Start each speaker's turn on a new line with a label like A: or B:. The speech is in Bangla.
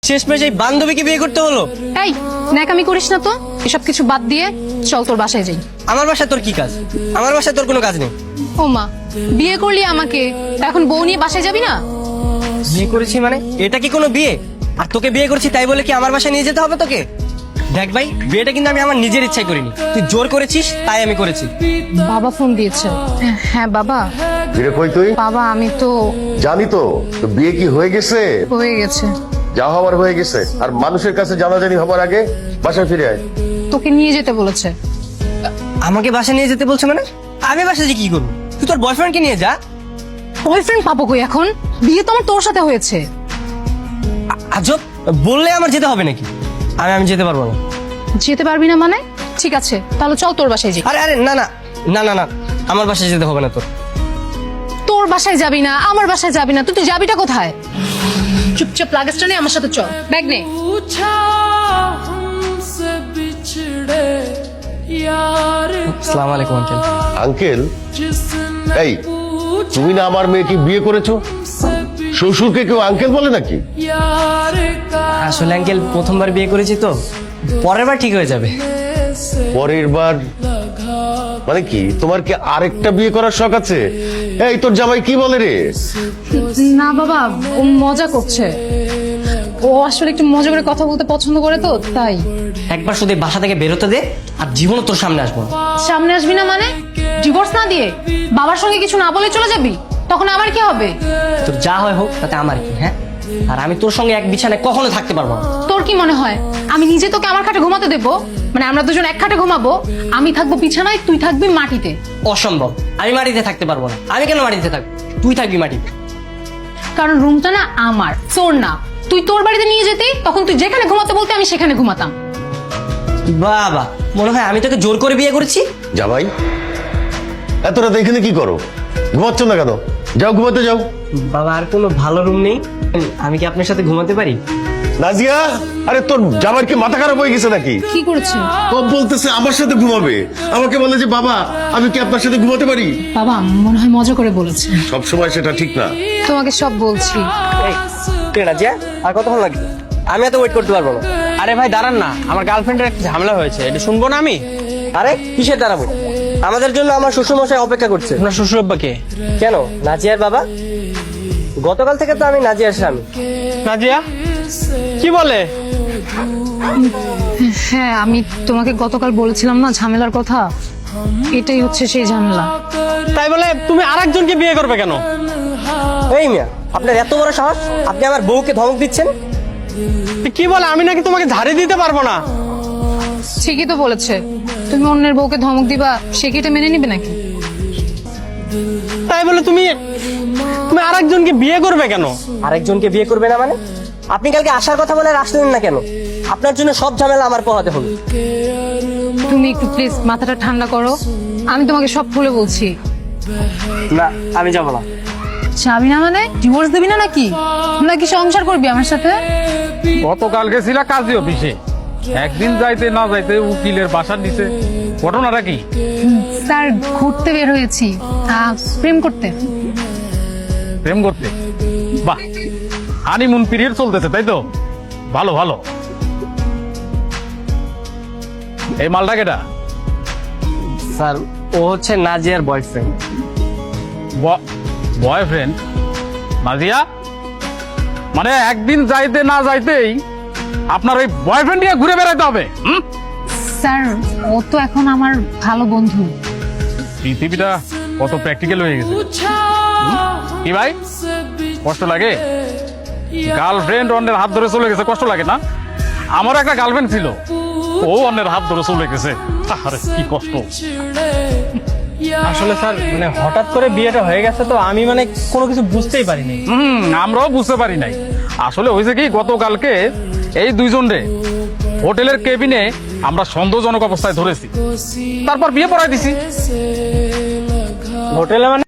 A: শেষমেশ এই বান্ধবীকে বিয়ে করতে হলো।
B: এই ন্যাকামি করিস না তো, এসব কিছু বাদ দিয়ে চল তোর বাসায় যাই।
A: আমার বাসায় তোর কি কাজ? আমার বাসায় তোর কোনো কাজ নেই।
B: ও মা, বিয়ে করলি আমাকে, এখন বউ নিয়ে বাসায় যাবি না?
A: বিয়ে করেছি মানে এটা কি কোনো বিয়ে? আর তোকে বিয়ে করেছি তাই বলে কি আমার বাসায় নিয়ে যেতে হবে তোকে? দেখ ভাই, বিয়েটা কিন্তু আমি আমার নিজের ইচ্ছায় করিনি, তুই জোর করেছিস তাই আমি করেছি।
B: বাবা ফোন দিয়েছে। হ্যাঁ বাবা।
C: ফিরে কই তুই?
B: বাবা আমি তো
C: জানি তো, তো বিয়ে কি হয়ে গেছে?
B: হয়ে গেছে।
C: যা হওয়ার হয়ে গেছে, আর মানুষের কাছে জানাজানি হবার আগে বাসায় ফিরে আয়।
B: তোকে নিয়ে যেতে বলেছে।
A: আমাকে বাসায় নিয়ে যেতে বলছে মানে? আমি বাসায় যে কি করবো? তুই তোর বয়ফ্রেন্ডকে নিয়ে যা।
B: বয়ফ্রেন্ড পাবো কই এখন? বিয়ে তো আমার তোর সাথে হয়েছে।
A: আজব, বললে আমার যেতে হবে নাকি? আমি যেতে পারবো না।
B: যেতে পারবি না মানে? ঠিক আছে তাহলে চল তোর বাসায় যাই।
A: আরে আরে না না না না না, আমার বাসায় যেতে হবে না তোর।
B: তোর বাসায় যাবি না, আমার বাসায় যাবি না, তুই যাবিটা কোথায়? চুপচাপ লাগেজটা নে, আমার সাথে চল। ব্যাগ নে।
A: আসসালামু আলাইকুম আঙ্কেল।
C: আঙ্কেল? এই, তুমি না আমার মেয়েকে বিয়ে করেছো? শ্বশুরকে কেউ আঙ্কেল বলে নাকি?
A: আসলে আঙ্কেল প্রথমবার বিয়ে করেছি তো, পরের বার ঠিক হয়ে যাবে।
C: পরের বার মানে কি? তোমার কি আরেকটা বিয়ে করার শখ আছে? এই, তোর জামাই কি বলে রে?
B: না বাবা, ও মজা করছে। ও আসলে একটু মজা করে কথা বলতে পছন্দ করে তো তাই।
A: একবার শুধু এই বাসা থেকে বেরোতে দে, আর জীবনও তোর সামনে আসবো না।
B: সামনে আসবি না মানে? ডিভোর্স না দিয়ে বাবার সঙ্গে কিছু না বলে চলে যাবি? তখন আমার কি হবে?
A: তোর যা হয় হোক, তাতে আমার কি? হ্যাঁ, আর আমি তোর সঙ্গে এক বিছানায় কখনো থাকতে পারবো না।
B: তোর কি মনে হয় আমি নিজে তোকে আমার খাটে ঘুমাতে দেবো? মানে আমরা দুজন এক খাটে ঘুমাবো, আমি থাকবো বিছানায়, তুই থাকবি মাটিতে।
A: অসম্ভব, আমি মাটিতে থাকতে পারবো না। আমি কেন মাটিতে থাকবো? তুই থাকবি মাটিতে।
B: কারণ রুমটা না আমার, তোর না। তুই তোর বাড়িতে নিয়ে যেতে, তখন তুই যেখানে ঘুমাতে বলতে আমি সেখানে ঘুমাতাম।
A: বাবা, মনে হয় আমি তোকে জোর করে বিয়ে করেছি।
C: জামাই, এত রাত এখানে কি করো? ঘুমাচ্ছ না কেন? যাও, ঘুমাতে যাও।
A: বাবা, আর কোনো ভালো রুম নেই? আমি কি আপনার সাথে ঘুমাতে পারি?
C: নাজিয়া, আরে তোর জামাইয়ের কি মাথা খারাপ হয়ে গেছে নাকি?
B: কি করেছে?
C: ও বলতেছে আমার সাথে ঘুমাবে, আমাকে বলে যে বাবা আমি কি আপনার সাথে ঘুমাতে পারি?
B: বাবা মনে হয় মজা করে বলেছে।
C: সব সময় সেটা ঠিক না।
B: তোমাকে সব বলছি।
A: রাজিয়া, আর কতক্ষণ লাগবে? আমি এত ওয়েট করতে পারবো না।
D: আরে ভাই দাঁড়ান না, আমার গার্লফ্রেন্ডের একটা ঝামেলা হয়েছে, এটা শুনবো না আমি?
A: আরে কিসের দাঁড়াবো? আমাদের জন্য আমার শ্বশুরমশাই অপেক্ষা করছে।
D: আপনার শ্বশুর আব্বাকে?
A: কেন, নাজিয়ার বাবা? গতকাল থেকে তো আমি নাজিয়ার স্বামী।
D: নাজিয়া কি বলে?
B: হ্যাঁ, আমি তোমাকে গতকাল বলেছিলাম না ঝামেলার কথা, এটাই হচ্ছে সেই ঝামেলা।
D: তাই বলে তুমি আরেকজনকে বিয়ে করবে কেন?
A: এই মিয়া, আপনার এত বড় সাহস, আপনি আমার বউকে ধমক দিচ্ছেন?
D: কি বলে? আমি নাকি তোমাকে ঝাড়ি দিতে পারবো না?
B: ঠিকই তো বলেছে। তুমি অন্যের বউকে ধমক দিবা, সে কি এটা মেনে নিবে নাকি?
D: তাই বলে তুমি তুমি আরেকজনকে বিয়ে করবে কেন?
A: আরেকজনকে বিয়ে করবে না মানে? আপনি কালকে আসার কথা বলে আর আসলেন না কেন? আপনার জন্য সব ঝামেলা আমার পোহাতে হলো।
B: তুমি একটু প্লিজ মাথাটা ঠান্ডা করো, আমি তোমাকে সব খুলে বলছি।
A: না, আমি যাবো না।
B: যাবি না মানে? ডিভোর্স দিবি না নাকি? নাকি সংসার করবি আমার সাথে?
E: গতকাল গেছিলা কাজী অফিসে, একদিন যাইতে না যাইতে উকিলের বাসার নিচে, ঘটনাটা কি?
B: স্যার ঘুরতে বের হয়েছি, প্রেম করতে।
E: প্রেম করতে? বাহ, হানিমুন পিরিয়ড চলতেছে তাই তো? ভালো ভালো। এই মালটা কেটা?
A: স্যার, ও হচ্ছে নাজিয়ার বয়ফ্রেন্ড।
E: বয়ফ্রেন্ড? নাজিয়া, মানে একদিন যাইতে না যাইতেই আপনার ওই বয়ফ্রেন্ড নিয়ে ঘুরে বেড়াইতে হবে?
B: স্যার ও তো এখন আমার ভালো বন্ধু।
E: পৃথিবীটা কত প্র্যাকটিক্যাল হয়ে গেছে। কি ভাই, কষ্ট লাগে? গার্লফ্রেন্ড অন্যের হাত ধরে চলে গেছে, কষ্ট লাগে না? আমার একটা গার্লফ্রেন্ড ছিল, ও অন্যের হাত ধরে চলে গেছে, আরে কি কষ্ট।
D: আসলে স্যার মানে হঠাৎ করে বিয়েটা হয়ে গেছে তো আমি মানে কোনো কিছু বুঝতেই পারিনি।
E: আমরাও বুঝতে পারি নাই। আসলে হয়েছে কি, গতকালকে এই দুইজনরে হোটেলের কেবিনে আমরা সন্দেহজনক অবস্থায় ধরেছি, তারপর বিয়ে পড়াই দিছি।
D: হোটেলে মানে?